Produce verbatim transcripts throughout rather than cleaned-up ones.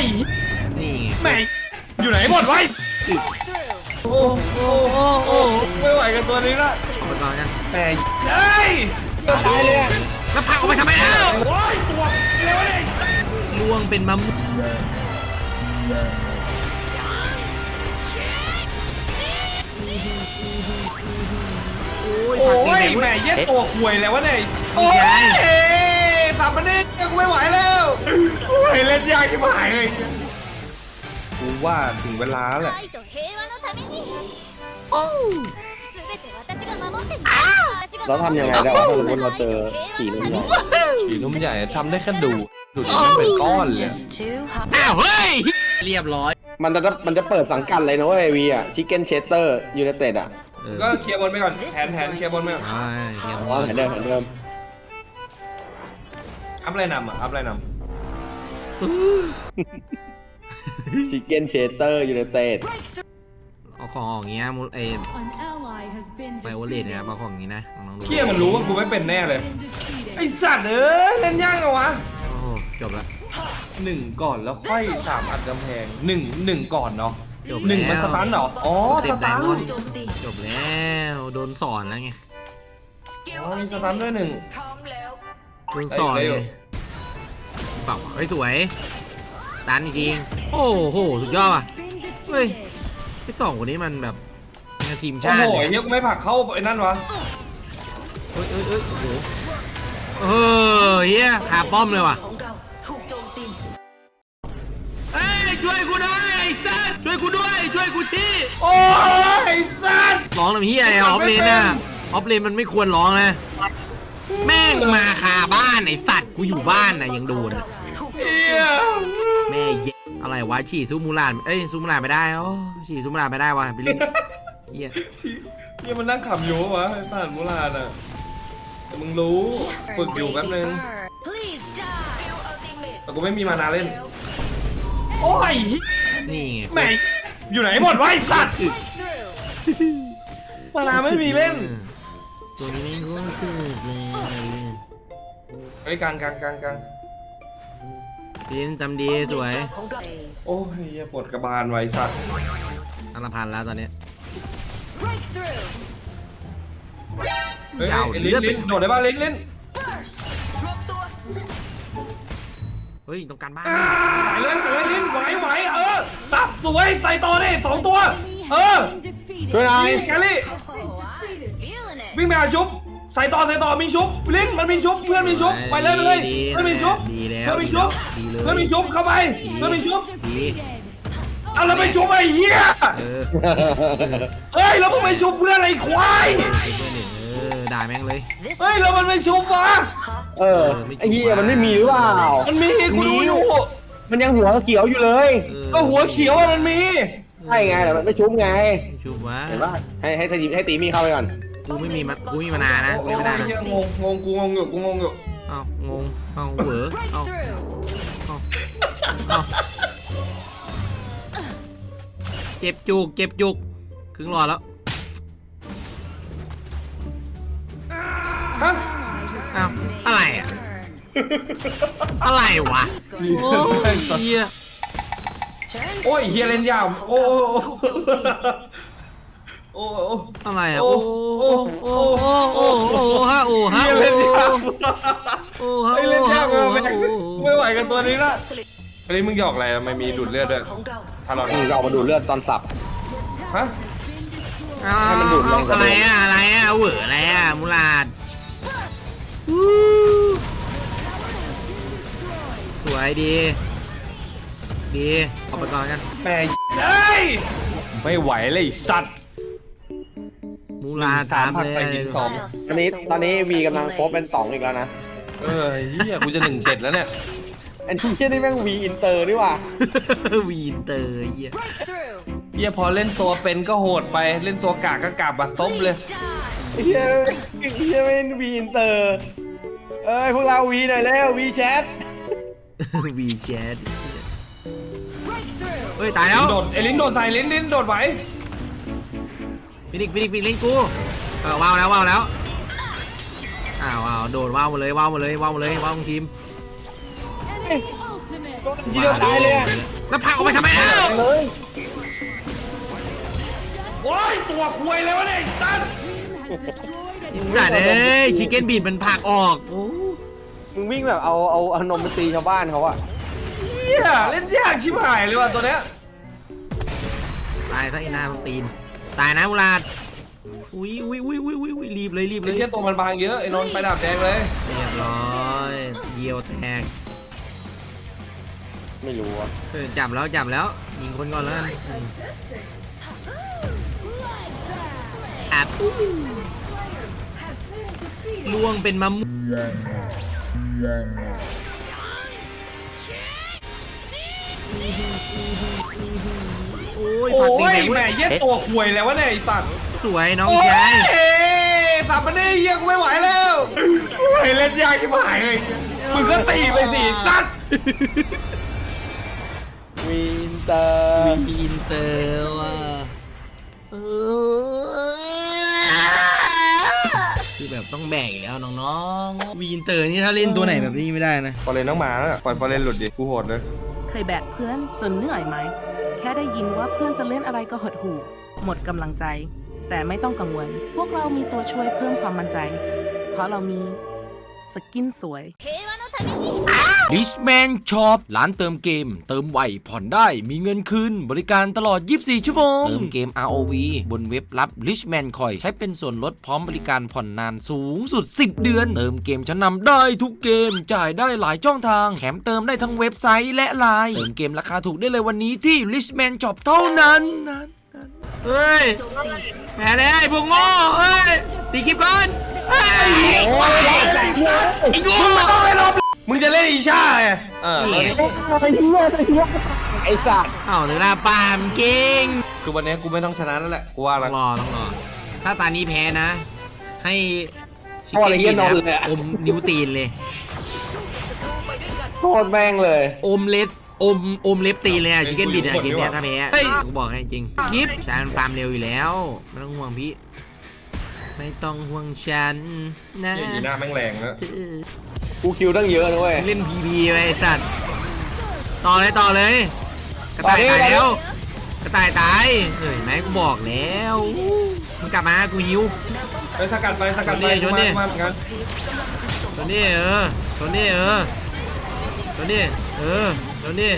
ยนี่แม่อยู่ไหนหมดวะโอ้โอ้โอ้โอ้ไม่ไหวกับตัวนี้ละออกไปก่อนกันแม่เฮ้ยตายเลยแล้วพักออกไปทำไมแล้วโอ้ยตัวเร็วเลยล่วงเป็นมะม่วงโอ้ยแม่เย็ดตัวข่วยแล้ววะเนี่ยโอ้ยสามประเด็นยังไม่ไหวแล้วโอ้ยเล่นยากที่หายเลยกูว่าถึงเวลาแล้วเราทำยังไงได้วะถ้าสมมติเราเจอผีนุ่มใหญ่ผีนุ่มใหญ่ทำได้แค่ดูดูดิมันเป็นก้อนเลยอ้าวเฮ้ยเรียบร้อยมันจะมันจะเปิดสังกัดเลยนะเว้ยวีอ่ะชิคเก้นเชสเตอร์ยูไนเต็ดอ่ะก็เคลียร์บอลไปก่อนแผนแผนเคลียร์บอลไปก่อนเคลียร์บอลแผนเดิมแผนเดิมอัพไรนำอ่ะอัพไรนำชิคเก้นเชสเตอร์ยูไนเต็ดเอาของอย่างเงี้ยมุไอไบโอเลตเนี่ยเอาของอย่างงี้นะน้องๆเคียมันรู้ว่ากูไม่เป็นแน่เลยไอสัตว์เอ้ยเล่นยากเหรอวะโอ้จบแล้วหนึ่งก่อนแล้วค่อยสามอัดกำแพงหนึ่งหนึ่งก่อนเนาะหนึ่งมันสตันเหรออ๋อสตันจบแล้วโดนสอนแล้วไงอ๋อมีสตันด้วยหนึ่งโดนสอนเลยเปล่าเฮ้ยสวยตันจริงโอ้โหสุดยอดอ่ะเฮ้ยไอ้สองคนนี้มันแบบทีมชาติโอ้โหเฮียกูไม่ผักเข้าไอ้นั่นวะเอ้ยเอ้ยเอ้ยโอ้โหเออเฮียขาป้อมเลยว่ะเอ้ยช่วยกูด้วยไอ้สัสช่วยกูด้วยช่วยกูทีโอ้ยไอ้สัสร้องทำเฮียไอ้ออฟเลนน่ะออฟเลนมันไม่ควรร้องนะแม่งมาคาบ้านไอ้สัตว์กูอยู่บ้านน่ะยังโดนแม่เย็ดอะไรวะฉี่ซูมูลานเอ้ยซูมูลานไม่ได้อ๋อฉี่ซูมูลานไม่ได้วะไปเล่นเฮียเฮียมันนั่งขับอยู่วะไอ้สัตว์มูลานอ่ะมึงรู้ฝึกอยู่แป๊บนึงแต่กูไม่มีมานาเล่นโอ้ยนี่แม่อยู่ไหนหมดวะไอ้สัตว์มานาไม่มีเล่นตัวนี้ก็คือเลยไอ้กลางกลางกลางกลางปีนทำดีสวยโอ้ยปวดกระบาลไว้สัตว์อันละพันแล้วตอนนี้เฮ้ยลิ้นลิ้นโดดได้ป่ะลิ้นลิ้นเฮ้ยต้องการบ้านใส่เลยใส่เลยลิ้นไหวไหวเออตับสวยใส่ต่อดิสองตัวเออช่วยหน่อยแคลรี่วิ่งไปหาชุบใส่ต่อใส่ต่อมีชุบลิ้นมันมีชุบเพื่อนมีชุบไปเลยไปเลยเพื่อนมีชุบเพื่อนมีชุบเพื่อนมีชุบเข้าไปเพื่อนมีชุบเอาแล้วไปชุบไอ้เหี้ยเฮ้ยแล้วมึงไปชุบเพื่อนอะไรควายเออด่าแม่งเลยเฮ้ยแล้วมันไม่ชุบวะเออไอ้เหี้ยมันไม่มีหรือเปล่ามันมีกูดูอยู่มันยังหัวเขียวอยู่เลยก็หัวเขียวมันมีใช่ไงแต่มันไม่ชุบไงชุบวะเห็นป่ะให้ให้ตีให้ตีมีเข้าไปก่อนกูไม่มีมันกูมีมานานนะไม่มานานนะงงงงกูงงอยู่กูงงอยู่เอ้างงเอ้าเหวอเอ้าเอ้าเอ้าเจ็บจุกเจ็บจุกครึ่งหลอดแล้วฮะอ้าวอะไรอ่ะอะไรวะโอ้ยเฮียโอ้ยเฮียเล่นยาวโอ้โอ้อะไรอ่ะโอ้โอ้โอ้โอ้โอ้โอ้ฮะโอ้ฮะเล่นยากโอ้ฮะเล่นยากมากไม่ไหวกับตัวนี้ละอันนี้มึงหยอกอะไรไม่มีดูดเลือดด้วยถ้าเราเรามาดูดเลือดตอนสับฮะให้มันดูดอะไรอ่ะอะไรอ่ะเหวออะไรอ่ะมูลาดสวยดีดีออกไปก่อนกันแม่เอ้ยไม่ไหวเลยสัตว์มูลาสามผักใส่หินสองตอนนี้ตอนนี้วีกำลังโป๊เป็นสองอีกแล้วนะเออเฮียกูจะหนึ่งเจ็ดแล้วเนี่ยอันที่เฮียนี่แม่งวีอินเตอร์ดีว่ะวีอินเตอร์เฮียเฮียพอเล่นตัวเป็นก็โหดไปเล่นตัวกากก็กาบบัดซบเลยเฮียเฮียไม่วีอินเตอร์เอ้ยพวกเราวีหน่อยแล้ววีแชทวีแชทเฮ้ยตายแล้วโดดไอ้ลิ้นโดดใส่ลิ้นลิ้นโดดไหวฟินิกฟินิกฟินิกกูเออว้าวแล้วว้าวแล้วอ้าวว้าวโดดว้าวหมดเลยว้าวหมดเลยว้าวหมดเลยว้าวทีมทีเดียวตายเลยแล้วผลักออกไปทำไมแล้วเลยโอ้ยตัวคุยเลยวะเนี่ยไอ้สัตว์ไอ้สัตว์เอ้ยชิคเก้นบีดมันผลักออกโอ้มึงวิ่งแบบเอาเอาเอานมไปตีชาวบ้านเขาอะเฮียเล่นยากชิบหายเลยว่ะตัวเนี้ยตายซะไอ้หน้าตีนตายนะมูลาดอุ้ยอุ้ยอุ้ยอุ้ยอุ้ยรีบเลยรีบเลไอ้ยเฮียตัวมันบางเยอะไอ้นนท์ไปดาบแดงเลยเรียบร้อยเยียวแตกไม่รู้อะเออจับแล้วจับแล้วยิงคนก่อนแล้วกันอัดล่วงเป็นมะม่วงโอ้ยโอ้ผักยแดงๆแหม่เฮียตัวคุยแล้ววะเนี่ยไอ้สัตว์สวยน้องโอ้ยชายสับมันได้เฮียกูไม่ไหวแล้วโอ้ยเล่นยากชิบหายเลยมึงก็ตีไปสิสัตว์วินเตอร์วีอินเตอร์ว่ะคือแบบต้องแบ่งอีกแล้วน้องๆวีอินเตอร์นี่ถ้าเล่นตัวไหนแบบนี้ไม่ได้นะฟอร์เรนต้องมาแล้วปล่อยฟอร์เรนหลุดดิกูโหดเลยเคยแบกเพื่อนจนเหนื่อยไหม แค่ได้ยินว่าเพื่อนจะเล่นอะไรก็หดหู่หมดกำลังใจ แต่ไม่ต้องกังวล พวกเรามีตัวช่วยเพิ่มความมั่นใจ เพราะเรามีสกินสวยดิชแมนช็อปร้านเติมเกม เติมไวผ่อนได้มีเงินคืนบริการตลอดยี่สิบสี่ชั่วโมง เติมเกม อาร์ โอ วี บนเว็บรับ Richman Coin ใช้เป็นส่วนลดพร้อมบริการผ่อนนานสูงสุดสิบเดือน เติมเกมชั้นนำได้ทุกเกมจ่ายได้หลายช่องทางแถมเติมได้ทั้งเว็บไซต์และไลน์เติมเกมราคาถูกได้เลยวันนี้ที่ Richman Shop เท่านั้นนั้นเฮ้ยแพ้เลยพวกโง่เฮ้ยตีคลิปก่อนเฮ้ยไอ้โง่ต้องไปรอบมึงจะเล่นอีชาไงเออนี่ไงไอ้สัตว์เอ้าถึงหน้าปามเก่งคือวันนี้กูไม่ต้องชนะแล้วแหละกูว่าต้แล้อวงรอต้องรอถ้าตานี้แพ้นะ ให้ชิพ่ออะไรเงี้ยนอนเลยอะอมนิ้วตีนเลยโทษแม่งเลยอมเล็บอมอมเล็บตีนเลยอะชิคเก้นบิดอะเกมเนี้ยถ้าแพ้เฮ้ยกูบอกให้จริงคลิปฉันฟาร์มเร็วอยู่แล้วไม่ต้องห่วงพี่ไม่ต้องห่วงฉันนะเนี่ยอีหน้าแม่งแรงแล้วกูคิวตั้งเยอะนะเว้ยเล่นพีพีไปไอ้สัตว์ต่อเลยต่อเลยกระต่ายตายแล้วกระต่ายตายเห็นไหมกูบอกแล้วมึงกลับมากูหิวไปสกัดไปสกัดไปชนดิมาเหมือนกันตัวนี้เออตัวนี้เออตัวนี้เออตัวนี้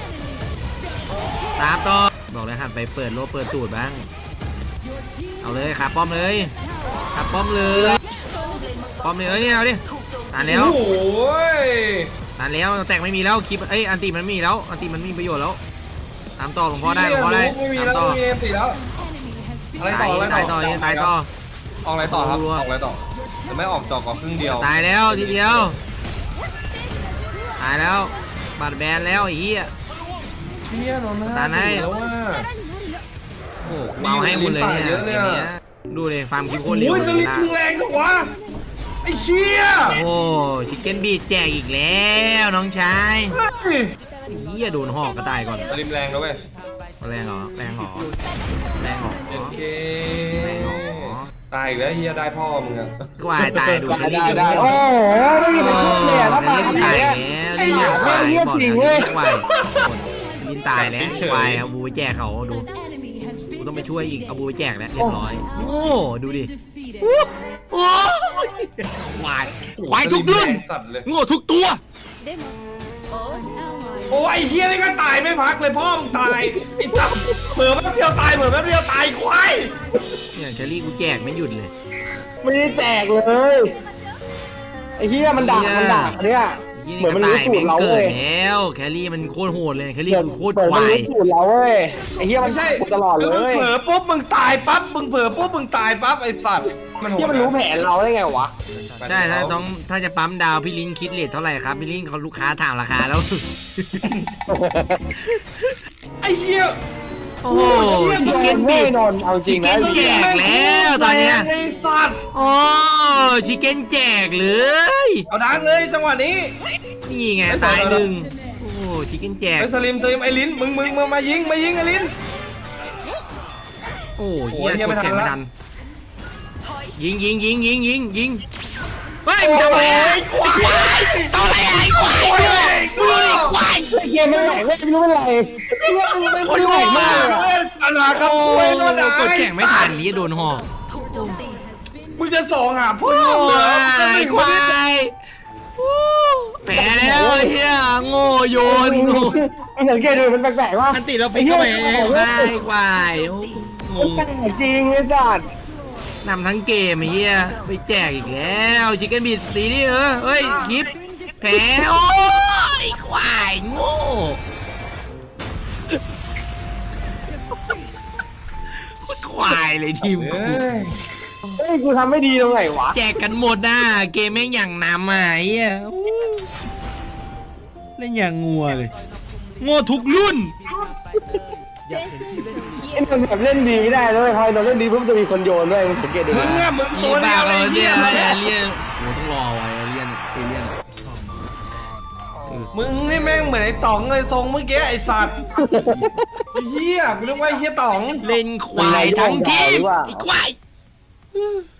ตามต่อบอกเลยหันไปเปิดโลเปิดตูดบ้างเอาเลยขาป้อมเลยขาป้อมเลยป้อมเลยเอ้ยเนี่ยเอาดิตานแล้วโอ้ยตานแล้วแตกไม่มีแล้วคลิปเอ้ยอันติมันไม่มีแล้วอันติมันไม่มีประโยชน์แล้วตามต่อหลวงพ่อได้หลวงพ่อได้ไม่มีตามแล้วต่อไม่มีเอ็มสี่แล้วอะไรต่ออะไรตายต่ต่ออตายต่อออกอะไรต่อครับรัวออกอะไรต่อแต่ไม่ออกจอกออกครึ่งเดียวตายแล้วทีเดียวตายแล้วบาดแบนแล้วไอ้เหี้ยเชี่ยนนท์ตาไหนแล้วว่าโอ้เมาให้หมดเลยเนี่ยเยอะเลยเกมอะเนี้ยดูเลยฟาร์มคิวโคตรเร็วโอ้ยเลสยลิปนะมึงแรงจังวะไอ้เชี่ยโอ้ชิคเก้นบีดแจกอีกแล้วน้องชายเฮ้ยไอ้เหี้ยโดนหอกกระต่ายก่อนสลิปแรงแล้วเว้ยแรงเหรอแรงเหรอแรงเหรอโอเคแรงเหรอตายอีกแล้วเฮียได้พ่อมึงอะกวายตายดูได้เชอรี่ได้ได้โอ้โหไม่มีใครพูดเลยอะแล้วมาเล่นไหนตายอะแล้วไอ้นี่หยาควายเหี้ยบอกจริงแล้วเว้ยควายยินตายแล้วควายเอาบูไปแจกเขาดูกูต้องไปช่วยอีกเอาบูไปแจกแล้วเรียบร้อยโอ้ดูดิโอ้ควายควายทุกรุ่นแรงสัตว์เลยโง่ทุกตัวโอ้ยไอ้เฮียนี่ก็ตายไม่พักเลยพ่อมึงตายไอ้สัตว์เผื่อแป๊บเดียวตายเผื่อแป๊บเดียวตายควายเนี่ยเชอรี่กูแจกไม่หยุดเลยไม่ได้แจกเลยไอ้เหี้ยมันด่ามันด่าเนี่ยเหมือนมันรู้สูตรเราเกิเว้ดยแล้วแครี่มันโคตรโหดเลยแครี่เหมือนมันโคตรเหมือนความันยรู้สูตรเราเว้ยไอ้เหี้ยมันไม่ใช่พูดตลอดเลคือมึงยเผลอปุ๊บมึงตายปั๊บมึงเผลอปุ๊บมึงตายปั๊บไอ้สัตว์มันโหดเหี้ยมันรู้แผนเราได้ไงวะใช่ถ้าต้องถ้าจะปั๊มดาวพี่ลิงคิดเลทเท่าไหร่ครับพี่ลิงเขาลูกค้าถามราคาแล้วไอ้เหี้ยโอ้โหชิชิคคเก้เก้นนบีบิดดนนเอาจริงนะชิคเก้นแจกแล้วตอนเนี้ยไอ้สัตว์โอ้ชิคเก้นแจกเลยเอาดังเลยจังหวะนี้นี่ไงตายหนึ่งโอ้ชิคเก้นแจกไอ้สลิมสลิมไอ้ลิ้นมึงมึงมึงมายิงมายิงไอ้ลิ้นโอ้โอ้เฮียยเหี้ยกไม่ดทันแข่งไม่ละทันยิงยิงยิงยิงยิงยิงเฮ้ยมึงทำอะไรอ่ะไอ้ควายทำอะไรอ่ะไอ้ควายมึงดูดิควายไอ้เกมมันแหลกไม่รู้เป็นไรไม่รู้เป็นคนไรแหลกมากเล่นอะไรครับโอ้คุยก็ได้กดแข่งไม่ทันนี้โดนห่อมึงจะสองหาพ่อโอ้เหรอย ไม่ควายแพ้แล้วไอ้เฮียโง่โยนโง่มันสังเกตดูมันแปลกๆว่าอันติเราฟิกเข้าไปได้ควายโอ้งมันงแปลกจริงไอ้สัตว์นำทั้งเกมไอ้เฮียไปแจกอีกแล้วชิคเก้นบีดตีนี่เออเฮ้ยคลิปแพ้โอ้ยควายโง่โคตรควายเลยทีมกูเอ้ยเฮ้ยกูทำไม่ดีตรงไหนวะแจกกันหมดนะเกมแม่งอย่างนำอ่ะไอ้เฮียเล่นอย่างงัวเลยโง่ทุกรุ่นไอ้มันแบบเล่นดีไม่ได้เลยพอเราเล่นดีปุ๊บจะมีคนโยนด้วยมึงสังเกตดูมึงนะอะมึงมีตัวเดีบ้ายวเอเลยอเลีเนี่ย ยนเลียนโหต้องรอไว้เลียนเอเลียนมึงนี่แม่งเหมือนไอ้ต๋องเลยทรงเมื่อกี้ไอ้สัตว์ไอ้เหี้ยกูเรียกว่าไอ้เหี้ยต๋องเล่นควายทั้งทีมไอ้ควาย